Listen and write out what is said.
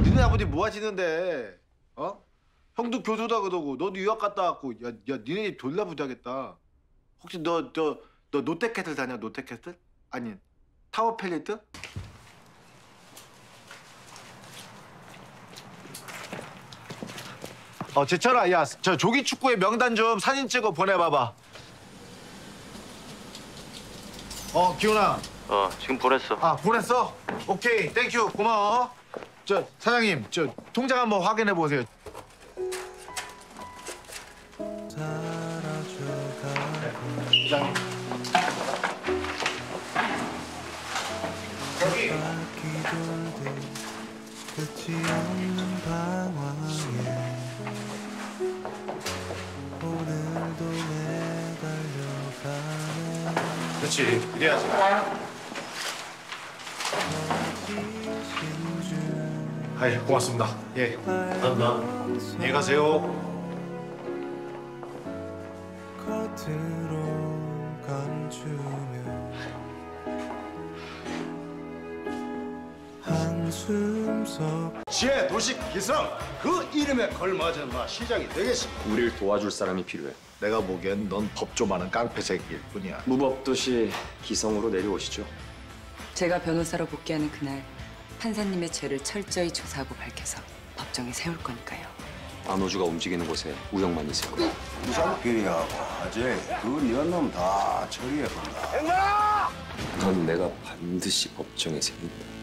니네 아버지 뭐 하시는데? 어? 형도 교수다 그러고 너도 유학 갔다 왔고 야 니네 집 졸라 부자겠다. 혹시 너 롯데캐슬 다녀? 롯데캐슬? 아니 타워 팰리트? 제철아, 야, 저 조기 축구의 명단 좀 사진 찍어 보내봐봐. 기훈아. 지금 보냈어. 아, 보냈어? 오케이, 땡큐, 고마워. 저 사장님, 저 통장 한번 확인해 보세요. 사장님. 여기. 끝이 없는 방황에 오늘도 매달려가네. 그렇지, 이래야지. 아이, 고맙습니다. 예, 감사합니다. 안녕히 가세요. 겉으로 감추며 한숨 속 지혜 도식 기성 그 이름에 걸맞은 시작이 되겠습니다. 우릴 도와줄 사람이 필요해. 내가 보기엔 넌 법 좀 아는 깡패 새끼일 뿐이야. 무법도시 기성으로 내려오시죠. 제가 변호사로 복귀하는 그날 판사님의 죄를 철저히 조사하고 밝혀서 법정에 세울 거니까요. 안호주가 움직이는 곳에 우영만 있을 거야. 우상필이하고 아재 그 니언놈 다 처리해본다. 넌 내가 반드시 법정에 세운다.